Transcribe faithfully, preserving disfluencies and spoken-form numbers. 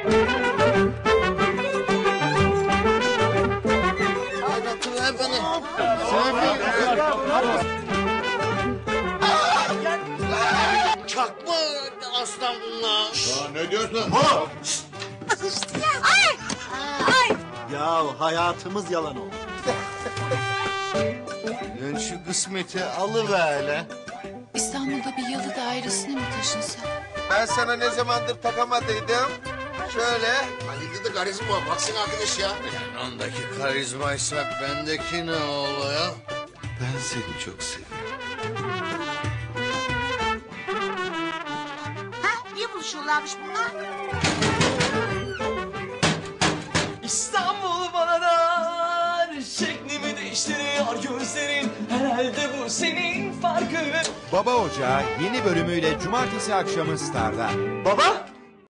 Oynatın beni. Çakma aslan bunlar. Ya ne diyorsun? Ay! Ay! Ya hayatımız yalan oldu. Lan şu kısmeti alıver hele. İstanbul'da bir yalı dairesine mi taşınsa? Ben sana ne zamandır takamadıydım. Şöyle. Halil'de de karizma var. Baksana arkadaş ya. Yani ondaki karizmaysa bendeki ne oluyor? Ben seni çok seviyorum. Ha? Niye buluşuyorlarmış bunlar? İstanbul bana dar, şeklimi değiştiriyor gözlerin. Herhalde bu senin farkın. Baba Ocağı yeni bölümüyle cumartesi akşamı Star'da. Baba,